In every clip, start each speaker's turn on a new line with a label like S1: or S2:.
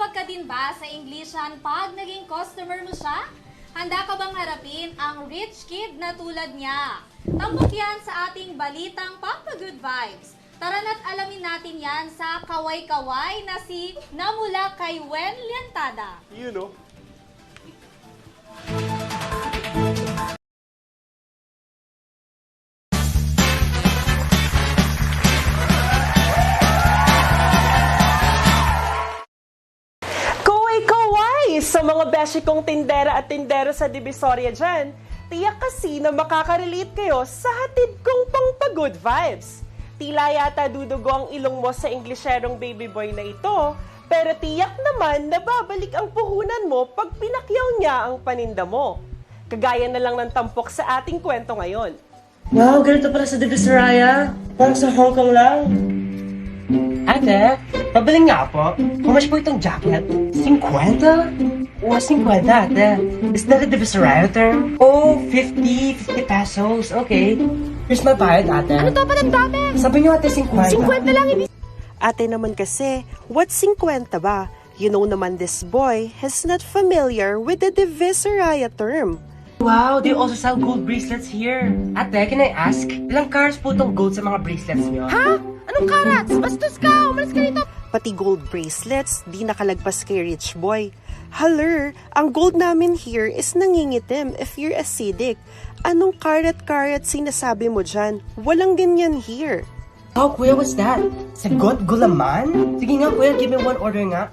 S1: Nahihirapan ka din ba sa Englishan pag naging customer mo siya? Handa ka bang harapin ang rich kid na tulad niya? Tambok yan sa ating balitang Pampagood Vibes. Tara na't alamin natin yan sa kaway-kaway na si Namula kay Wen Lientada.
S2: You know.
S3: Kaway-kaway sa mga beshi kong tindera at tindero sa Divisoria dyan. Tiyak kasi na makaka-relate kayo sa hatid kong pang-good vibes. Tila yata dudugo ang ilong mo sa Englisherong baby boy na ito, pero tiyak naman na babalik ang puhunan mo pag pinakyaw niya ang paninda mo. Kagaya na lang ng tampok sa ating kwento ngayon.
S4: Wow, ganito pala sa Divisoria. Parang sa Hong Kong lang. Ate, pabiling nga po. How much po itong jacket? 50? Oh, 50, ate. Is that a Divisoria term? Oh, 50 pesos. Okay. Here's my bayad, ate.
S1: Ano to pa ng dami?
S4: Sabi niyo, ate, 50.
S1: 50 lang ibig.
S3: Ate naman kasi, what's 50 ba? You know naman this boy is not familiar with the Divisoria term.
S4: Wow, they also sell gold bracelets here. Ate, can I ask? Ilang carats po itong gold sa mga bracelets niyo?
S1: Ha? Anong karats? Bastos ka! Umalis ka rito!
S3: Pati gold bracelets, di nakalagpas kay rich boy. Haler, ang gold namin here is nangingitim if you're acidic. Anong karat-karat sinasabi mo dyan? Walang ganyan here.
S4: Oh, kuya, what's that? Sagot gulaman? Sige nga, kuya, give me one order nga.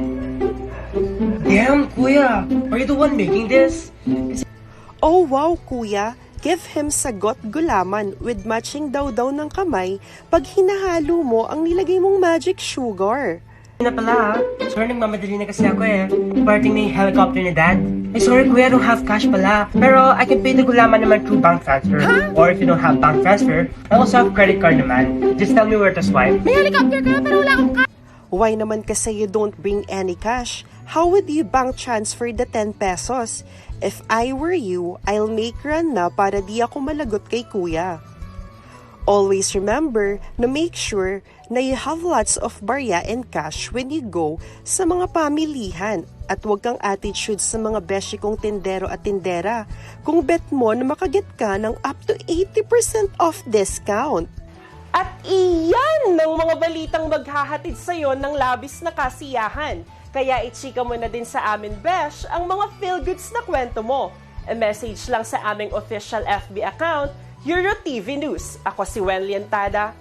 S4: Damn, kuya, are you the one making this?
S3: Oh wow, kuya, give him sagot gulaman with matching daw ng kamay pag hinahalo mo ang nilagay mong magic sugar.
S4: Na pala, sorry, nagmamadali na kasi ako eh. Parting na yung helicopter ni Dad. Ay, sorry kuya, I don't have cash pala. Pero I can pay the gulaman naman through bank transfer. Or if you don't have bank transfer, I also have credit card naman. Just tell me where to swipe.
S1: May helicopter ka pero wala akong
S3: Why naman kasi you don't bring any cash? How would you bank transfer the 10 pesos? If I were you, I'll make run na para di ako malagot kay kuya. Always remember na make sure na you have lots of barya and cash when you go sa mga pamilihan at huwag kang attitude sa mga beshi kong tindero at tindera kung bet mo na makaget ka ng up to 80% off discount. At iyan ng mga balitang maghahatid sa'yo ng labis na kasiyahan. Kaya ichika mo na din sa amin, Besh, ang mga feel-goods na kwento mo. E-message lang sa aming official FB account, EuroTV News. Ako si Wen Lientada.